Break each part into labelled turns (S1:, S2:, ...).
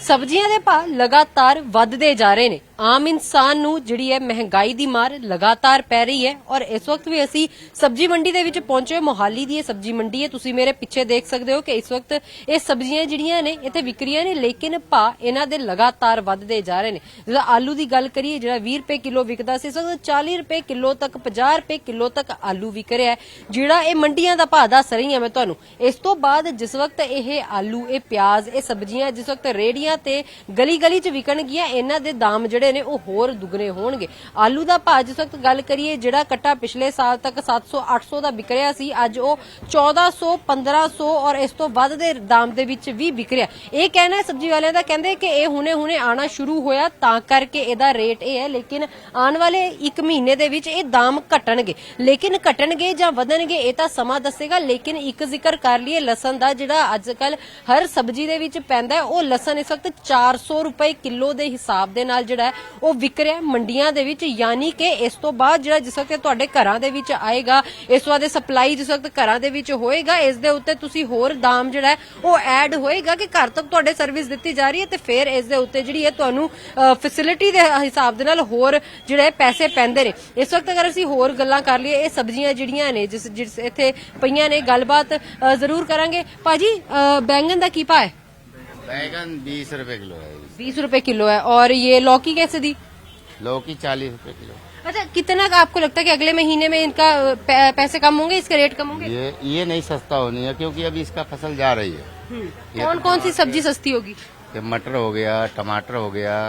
S1: ਸਬਜ਼ੀਆਂ ਦੇ ਭਾਅ ਲਗਾਤਾਰ ਵੱਧਦੇ ਜਾ ਰਹੇ ਨੇ। ਆਮ ਇਨਸਾਨ ਨੂੰ ਜਿਹੜੀ ਹੈ ਮਹਿੰਗਾਈ ਦੀ ਮਾਰ ਲਗਾਤਾਰ ਪੈ ਰਹੀ ਹੈ ਔਰ ਇਸ ਵਕਤ ਵੀ ਅਸੀਂ ਸਬਜ਼ੀ ਮੰਡੀ ਦੇ ਵਿੱਚ ਪਹੁੰਚੇ। ਮੋਹਾਲੀ ਦੀ ਇਹ ਸਬਜ਼ੀ ਮੰਡੀ ਹੈ। ਤੁਸੀਂ ਮੇਰੇ ਪਿੱਛੇ ਦੇਖ ਸਕਦੇ ਹੋ ਕਿ ਇਸ ਵਕਤ ਇਹ ਸਬਜ਼ੀਆਂ ਜਿਹੜੀਆਂ ਨੇ ਇੱਥੇ ਵਿਕ ਰਹੀਆਂ ਨੇ, ਲੇਕਿਨ ਭਾਅ ਇਹਨਾਂ ਦੇ ਲਗਾਤਾਰ ਵੱਧਦੇ ਜਾ ਰਹੇ ਨੇ। ਜਿਹੜਾ ਆਲੂ ਦੀ ਗੱਲ ਕਰੀਏ, ਜਿਹੜਾ 20 ਰੁਪਏ ਕਿਲੋ ਵਿਕਦਾ ਸੀ, ਇਸ ਵਕਤ 40 ਰੁਪਏ ਕਿਲੋ ਤੱਕ, 50 ਰੁਪਏ ਕਿਲੋ ਤੱਕ ਆਲੂ ਵਿਕ ਰਿਹਾ ਹੈ। ਜਿਹੜਾ ਇਹ ਮੰਡੀਆਂ ਦਾ ਭਾਅ ਦੱਸ ਰਹੀ ਹਾਂ ਮੈਂ ਤੁਹਾਨੂੰ। ਇਸ ਤੋਂ ਬਾਅਦ ਜਿਸ ਵਕਤ ਇਹ ਆਲੂ, ਇਹ ਪਿਆਜ਼, ਇਹ ਸਬਜ਼ੀਆਂ ਜਿਸ ਵਕਤ ਰੇੜੀਆਂ ਤੇ ਗਲੀ ਗਲੀ 'ਚ ਵਿਕਣਗੀਆਂ, ਇਹਨਾਂ ਦੇ ਦਾਮ ਜਿਹੜੇ ਨੇ ਉਹ ਹੋਰ ਦੁੱਗਣੇ ਹੋਣਗੇ। ਆਲੂ ਦਾ ਭਾਅ ਜਿਸ ਵਕਤ ਗੱਲ ਕਰੀਏ, ਜਿਹੜਾ ਕੱਟਾ ਪਿਛਲੇ ਸਾਲ ਤੱਕ 700-800 ਦਾ ਵਿਕ ਰਿਹਾ ਸੀ, ਅੱਜ ਉਹ 1400, 1500 ਔਰ ਇਸ ਤੋਂ ਵੱਧ ਦੇ ਦਾਮ ਦੇ ਵਿੱਚ ਵੀ ਵਿਕ ਰਿਹਾ। ਇਹ ਕਹਿਣਾ ਹੈ ਸਬਜ਼ੀ ਵਾਲਿਆਂ ਦਾ, ਕਹਿੰਦੇ ਕਿ ਇਹ ਹੁਣੇ ਆਣਾ ਸ਼ੁਰੂ ਹੋਇਆ ਤਾਂ ਕਰਕੇ ਇਹਦਾ ਰੇਟ ਇਹ ਹੈ, ਲੇਕਿਨ ਆਉਣ ਵਾਲੇ 1 ਮਹੀਨੇ ਦੇ ਵਿੱਚ ਇਹ ਦਾਮ ਘਟਣਗੇ। ਲੇਕਿਨ ਘਟਣਗੇ ਜਾਂ ਵਧਣਗੇ ਇਹ ਤਾਂ ਸਮਾਂ ਦੱਸੇਗਾ। ਲੇਕਿਨ ਇੱਕ ਜ਼ਿਕਰ ਕਰ ਲਈਏ ਲਸਣ ਦਾ, ਜਿਹੜਾ ਅੱਜ ਕੱਲ ਹਰ ਸਬਜ਼ੀ ਦੇ ਵਿੱਚ ਪੈਂਦਾ, ਉਹ ਲਸਣ ਇਸ ਵਕਤ 400 ਰੁਪਏ ਕਿਲੋ ਦੇ ਹਿਸਾਬ ਦੇ ਨਾਲ ਜਿਹੜਾ ਉਹ ਵਿਕ ਰਿਹਾ ਮੰਡੀਆਂ ਦੇ ਵਿੱਚ। ਯਾਨੀ ਕਿ ਇਸ ਤੋਂ ਬਾਅਦ ਜਿਹੜਾ ਜਿਸ ਵਕਤ ਤੁਹਾਡੇ ਘਰਾਂ ਦੇ ਵਿੱਚ ਆਏਗਾ, ਇਸ ਤੋਂ ਬਾਅਦ ਸਪਲਾਈ ਜਿਸ ਵਕਤ ਘਰਾਂ ਦੇ ਵਿੱਚ ਹੋਏਗਾ, ਇਸ ਦੇ ਉੱਤੇ ਤੁਸੀਂ ਹੋਰ ਦਾਮ ਜਿਹੜਾ ਉਹ ਐਡ ਹੋਏਗਾ ਕਿ ਘਰ ਤੱਕ ਤੁਹਾਡੇ ਸਰਵਿਸ ਦਿੱਤੀ ਜਾ ਰਹੀ ਹੈ, ਤੇ ਫਿਰ ਇਸ ਦੇ ਉੱਤੇ ਜਿਹੜੀ ਹੈ ਤੁਹਾਨੂੰ ਫੈਸਿਲਿਟੀ ਦੇ ਹਿਸਾਬ ਦੇ ਨਾਲ ਹੋਰ ਜਿਹੜੇ ਪੈਸੇ ਪੈਂਦੇ ਨੇ। ਇਸ ਵਕਤ ਅਗਰ ਅਸੀਂ ਹੋਰ ਗੱਲਾਂ ਕਰ ਲਈਏ, ਇਹ ਸਬਜ਼ੀਆਂ ਜਿਹੜੀਆਂ ਨੇ ਜਿਸ ਇੱਥੇ ਪਈਆਂ ਨੇ, ਗੱਲਬਾਤ ਜ਼ਰੂਰ ਕਰਾਂਗੇ। ਭਾਜੀ, बैंगन ਦਾ ਕੀ ਭਾਅ ਹੈ?
S2: बैगन 20 रुपए किलो है।
S1: 20 रुपए किलो है। और ये लौकी कैसे दी?
S2: लौकी 40 रुपए किलो।
S1: अच्छा, कितना का आपको लगता है कि अगले महीने में इनका पैसे कम होंगे, इसके रेट कम होंगे?
S2: ये नहीं सस्ता होनी है, क्योंकि अभी इसका फसल जा रही है।
S1: कौन कौन सी सब्जी सस्ती होगी?
S2: मटर हो गया, टमाटर हो गया,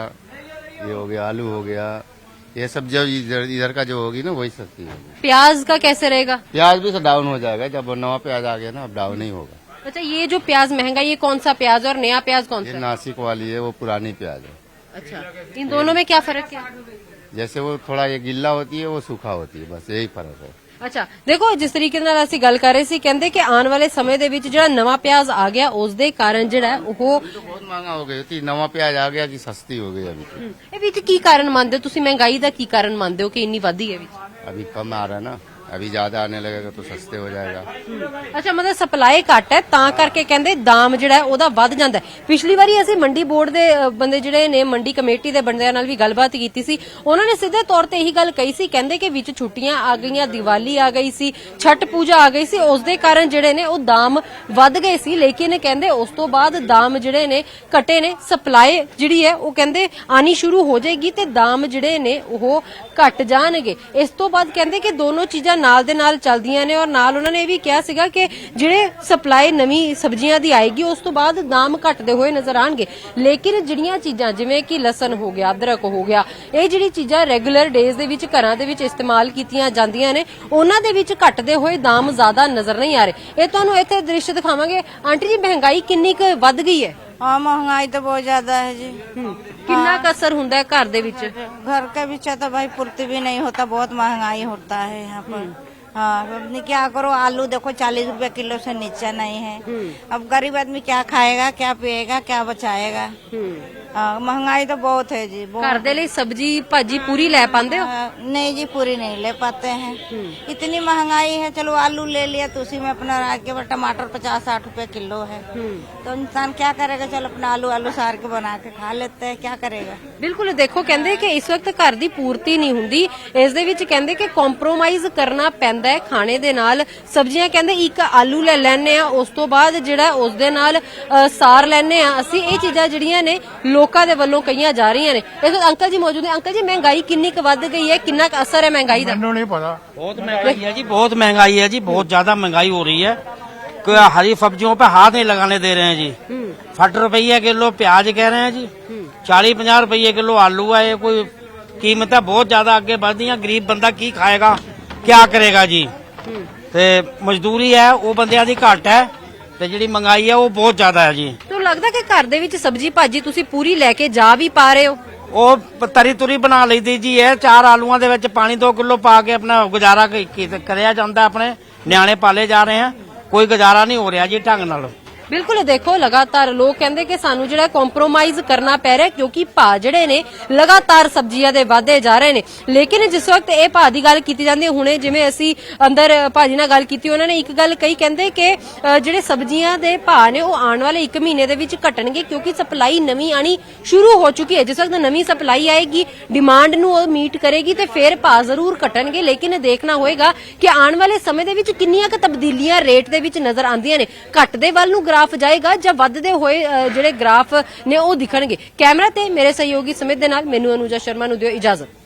S2: ये हो गया, आलू हो गया, ये सब जो इधर का जो होगी ना वही सस्ती होगी।
S1: प्याज का कैसे रहेगा?
S2: प्याज भी तो डाउन हो जाएगा, जब नवा प्याज आ गया ना, अब डाउन नहीं होगा।
S1: अच्छा, ये जो प्याज महंगा, ये कौन सा प्याज और नया प्याज कौन
S2: ये
S1: सा?
S2: नासिक वाली है, वो पुरानी प्याज है।
S1: अच्छा, इन दोनों में क्या फर्क है?
S2: जैसे वो थोड़ा ये गिल्ला होती है, वो सूखा होती है, बस यही फर्क है।
S1: ਅੱਛਾ, ਦੇਖੋ ਜਿਸ ਤਰੀਕੇ ਨਾਲ ਅਸੀਂ ਗੱਲ ਕਰ ਰਹੇ ਸੀ, ਕਹਿੰਦੇ ਕਿ ਆਉਣ ਵਾਲੇ ਸਮੇਂ ਦੇ ਵਿੱਚ ਜਿਹੜਾ ਨਵਾਂ ਪਿਆਜ਼ ਆ ਗਿਆ, ਉਸ ਦੇ ਕਾਰਨ ਜਿਹੜਾ ਉਹ
S2: बहुत महंगा हो गई थी। नवा प्याज आ गया कि सस्ती हो गई अभी तो।
S1: ਇਹ ਵਿੱਚ ਕੀ ਕਾਰਨ ਮੰਨਦੇ ਹੋ ਤੁਸੀਂ? ਮਹਿੰਗਾਈ ਦਾ ਕੀ ਕਾਰਨ ਮੰਨਦੇ ਹੋ ਕਿ ਇੰਨੀ ਵਧੀ ਹੈ ਵਿੱਚ?
S2: अभी कम आ रहा है ना, अभी ज्यादा आने लगेगा तो सस्ते हो जाएगा।
S1: ਅੱਛਾ, ਮਤਲਬ ਸਪਲਾਈ ਘੱਟ ਹੈ ਤਾਂ ਕਰਕੇ ਕਹਿੰਦੇ ਦਾਮ ਜਿਹੜਾ ਹੈ ਉਹਦਾ ਵੱਧ ਜਾਂਦਾ ਹੈ। ਪਿਛਲੀ ਵਾਰੀ ਅਸੀਂ ਮੰਡੀ ਬੋਰਡ ਦੇ ਬੰਦੇ ਜਿਹੜੇ ਨੇ, ਮੰਡੀ ਕਮੇਟੀ ਦੇ ਬੰਦਿਆਂ ਨਾਲ ਵੀ ਗੱਲਬਾਤ ਕੀਤੀ ਸੀ, ਉਹਨਾਂ ਨੇ ਸਿੱਧੇ ਤੌਰ ਤੇ ਇਹੀ ਗੱਲ ਕਹੀ ਸੀ, ਕਹਿੰਦੇ ਕਿ ਵਿੱਚ ਛੁੱਟੀਆਂ ਆ ਗਈਆਂ, ਦੀਵਾਲੀ ਆ ਗਈ ਸੀ, ਛਠ ਪੂਜਾ ਆ ਗਈ ਸੀ, ਉਸ ਦੇ ਕਾਰਨ ਜਿਹੜੇ ਨੇ ਉਹ ਦਾਮ ਵੱਧ ਗਏ ਸੀ। ਲੇਕਿਨ ਕਹਿੰਦੇ ਉਸ ਤੋਂ ਬਾਅਦ ਦਾਮ ਜਿਹੜੇ ਨੇ ਘਟੇ ਨੇ। ਸਪਲਾਈ ਜਿਹੜੀ ਹੈ ਉਹ ਕਹਿੰਦੇ ਆਣੀ ਸ਼ੁਰੂ ਹੋ ਜਾਏਗੀ ਤੇ ਦਾਮ ਜਿਹੜੇ ਨੇ ਉਹ ਘਟ ਜਾਣਗੇ। ਇਸ ਤੋਂ ਬਾਅਦ ਕਹਿੰਦੇ ਕਿ ਦੋਨੋਂ ਚੀਜ਼ਾਂ ਨਾਲ ਦੇ ਨਾਲ ਚੱਲਦੀਆਂ ਨੇ। ਔਰ ਨਾਲ ਉਹਨਾਂ ਨੇ ਇਹ ਵੀ ਕਿਹਾ ਸੀਗਾ ਕਿ ਜਿਹੜੇ ਸਪਲਾਈ ਨਵੀਂ ਸਬਜ਼ੀਆਂ ਦੀ ਆਏਗੀ, ਉਸ ਤੋਂ ਬਾਅਦ ਦਾਮ ਘਟਦੇ ਹੋਏ ਨਜ਼ਰ ਆਣਗੇ। ਲੇਕਿਨ ਜਿਹੜੀਆਂ ਚੀਜ਼ਾਂ ਜਿਵੇਂ ਕਿ ਲਸਣ ਹੋ ਗਿਆ, ਅਦਰਕ ਹੋ ਗਿਆ, ਇਹ ਜਿਹੜੀ ਚੀਜ਼ਾਂ ਰੈਗੂਲਰ ਡੇਜ਼ ਦੇ ਵਿੱਚ ਘਰਾਂ ਦੇ ਵਿੱਚ ਇਸਤੇਮਾਲ ਕੀਤੀਆਂ ਜਾਂਦੀਆਂ ਨੇ, ਉਹਨਾਂ ਦੇ ਵਿੱਚ ਘਟਦੇ ਹੋਏ ਦਾਮ ਜ਼ਿਆਦਾ ਨਜ਼ਰ ਨਹੀਂ ਆ ਰਹੇ। ਇਹ ਤੁਹਾਨੂੰ ਇੱਥੇ ਦ੍ਰਿਸ਼ ਦਿਖਾਵਾਂਗੇ। ਆਂਟੀ ਜੀ, ਮਹਿੰਗਾਈ ਕਿੰਨੀ ਕੁ ਵੱਧ ਗਈ ਹੈ?
S3: हाँ, महंगाई तो बहुत ज्यादा है जी।
S1: ਕਿੰਨਾ ਕੁ ਅਸਰ ਹੁੰਦਾ ਹੈ ਘਰ ਦੇ ਵਿੱਚ?
S3: घर के पीछे तो भाई पूर्ति भी नहीं होता, बहुत महंगाई होता है यहाँ पर। हाँ, अपने क्या करो, आलू देखो 40 रुपए किलो से नीचे नहीं है। अब गरीब आदमी क्या खाएगा, क्या पिएगा, क्या बचाएगा? हाँ, महंगाई तो बहुत है जी, बहुत।
S1: ਘਰ ਦੇ ਲਈ ਸਬਜ਼ੀ ਭਾਜੀ ਪੂਰੀ ਲੈ ਪਾਉਂਦੇ ਹੋ?
S3: नहीं जी, पूरी नहीं ले पाते हैं। इतनी महंगाई है। चलो आलू ले लिया तो उसी में अपना रात के बाद टमाटर 50-60 रुपए किलो है, तो इंसान क्या करेगा? चलो अपना आलू सार के बना के खा लेते हैं, क्या करेगा?
S1: ਬਿਲਕੁਲ, ਦੇਖੋ ਕਹਿੰਦੇ ਕਿ ਇਸ ਵਕਤ ਘਰ ਦੀ ਪੂਰਤੀ ਨਹੀਂ ਹੁੰਦੀ। ਇਸ ਦੇ ਵਿੱਚ ਕਹਿੰਦੇ ਕਿ ਕੰਪਰੋਮਾਈਜ਼ ਕਰਨਾ ਪੈਂਦਾ ਹੈ ਖਾਣੇ ਦੇ ਨਾਲ। ਸਬਜ਼ੀਆਂ ਕਹਿੰਦੇ ਇੱਕ ਆਲੂ ਲੈ ਲੈਣੇ ਆ, ਉਸ ਤੋਂ ਬਾਅਦ ਜਿਹੜਾ ਉਸ ਦੇ ਨਾਲ ਸਾਰ ਲੈਣੇ ਆ ਅਸੀਂ। ਇਹ ਚੀਜ਼ਾਂ ਜਿਹੜੀਆਂ ਨੇ ਲੋਕਾਂ ਦੇ ਵੱਲੋਂ ਕਹੀਆਂ ਜਾ ਰਹੀਆਂ ਨੇ। ਇਸ ਵਕਤ ਅੰਕਲ ਜੀ ਮੌਜੂਦ ਨੇ। ਅੰਕਲ ਜੀ, ਮਹਿੰਗਾਈ ਕਿੰਨੀ ਕੁ ਵੱਧ ਗਈ ਹੈ? ਕਿੰਨਾ ਕੁ ਅਸਰ ਹੈ ਮਹਿੰਗਾਈ ਦਾ?
S4: ਮੈਨੂੰ ਨਹੀਂ ਪਤਾ।
S5: बहुत महंगाई है जी, बहुत महंगाई है जी, बहुत ज्यादा महंगाई हो रही है। कोई हरी सब्जियों पे हाथ नहीं लगाने दे रहे हैं जी। 60 रुपये किलो प्याज कह रहे हैं जी, 40-50 रुपये किलो आलू है। ये कोई कीमतें बहुत ज्यादा आगे बढ़ दी हैं। गरीब बंदा की खाएगा, क्या करेगा जी? ते मजदूरी है वो बंदियां दी घट है, ते जिहड़ी महंगाई है वो बहुत ज्यादा है जी।
S1: ਤੁਹਾਨੂੰ ਲੱਗਦਾ ਕਿ ਘਰ ਦੇ ਵਿੱਚ ਸਬਜ਼ੀ ਭਾਜੀ ਤੁਸੀਂ ਪੂਰੀ ਲੈ ਕੇ ਜਾ ਵੀ ਪਾ ਰਹੇ ਹੋ?
S5: ਉਹ ਤਰੀ ਤੁਰੀ ਬਣਾ ਲਈਦੀ ਜੀ। ਇਹ 4 ਆਲੂਆਂ ਦੇ ਵਿੱਚ ਪਾਣੀ 2 ਕਿਲੋ ਪਾ ਕੇ ਆਪਣਾ ਗੁਜ਼ਾਰਾ ਕਰਿਆ ਜਾਂਦਾ। ਆਪਣੇ ਨਿਆਣੇ ਪਾਲੇ ਜਾ ਰਹੇ ਆ, ਕੋਈ ਗੁਜ਼ਾਰਾ ਨਹੀਂ ਹੋ ਰਿਹਾ ਜੀ ਢੰਗ ਨਾਲ।
S1: ਬਿਲਕੁਲ ਦੇਖੋ ਲਗਾਤਾਰ ਲੋਕ ਕਹਿੰਦੇ ਕਿ ਸਾਨੂੰ ਜਿਹੜਾ ਕੰਪਰੋਮਾਈਜ਼ ਕਰਨਾ ਪੈ ਰਿਹਾ ਕਿਉਂਕਿ ਭਾਅ ਜਿਹੜੇ ਨੇ ਲਗਾਤਾਰ ਸਬਜ਼ੀਆਂ ਦੇ ਵਧਦੇ ਜਾ ਰਹੇ ਨੇ। ਲੇਕਿਨ ਜਿਸ ਵਕਤ ਇਹ ਭਾਅ ਦੀ ਗੱਲ ਕੀਤੀ ਜਾਂਦੀ ਹੈ, ਹੁਣੇ ਜਿਵੇਂ ਅਸੀਂ ਅੰਦਰ ਭਾਜੀ ਨਾਲ ਗੱਲ ਕੀਤੀ, ਉਹਨਾਂ ਨੇ ਇੱਕ ਗੱਲ ਕਹੀ, ਕਹਿੰਦੇ ਕਿ ਜਿਹੜੇ ਸਬਜ਼ੀਆਂ ਦੇ ਭਾਅ ਨੇ ਉਹ ਆਉਣ ਵਾਲੇ 1 ਮਹੀਨੇ ਦੇ ਵਿੱਚ ਘਟਣਗੇ ਕਿਉਂਕਿ ਸਪਲਾਈ ਨਵੀਂ ਆਣੀ ਸ਼ੁਰੂ ਹੋ ਚੁੱਕੀ ਹੈ। ਜਿਸ ਵਕਤ ਨਵੀਂ ਸਪਲਾਈ ਆਏਗੀ, ਡਿਮਾਂਡ ਨੂੰ ਉਹ ਮੀਟ ਕਰੇਗੀ ਤੇ ਫਿਰ ਭਾਅ ਜ਼ਰੂਰ ਘਟਣਗੇ। ਲੇਕਿਨ ਦੇਖਣਾ ਹੋਏਗਾ ਕਿ ਆਉਣ ਵਾਲੇ ਸਮੇਂ ਦੇ ਵਿੱਚ ਕਿੰਨੀਆਂ ਕੁ ਤਬਦੀਲੀਆਂ ਰੇਟ ਦੇ ਵਿੱਚ ਨਜ਼ਰ ਆਉਂਦੀਆਂ ਨੇ। ਘਟਦੇ ਵੱਲ ਨੂੰ ਗ੍ਰਾਫ ਜਾਏਗਾ ਜਾਂ ਵੱਧਦੇ ਹੋਏ ਜਿਹੜੇ ਗ੍ਰਾਫ ਨੇ ਉਹ ਦਿਖਣਗੇ। ਕੈਮਰਾ ਤੇ ਮੇਰੇ ਸਹਿਯੋਗੀ ਸਮਿਤ ਦੇ ਨਾਲ ਮੈਨੂੰ ਅਨੂਜਾ ਸ਼ਰਮਾ ਨੂੰ ਦਿਓ ਇਜਾਜ਼ਤ।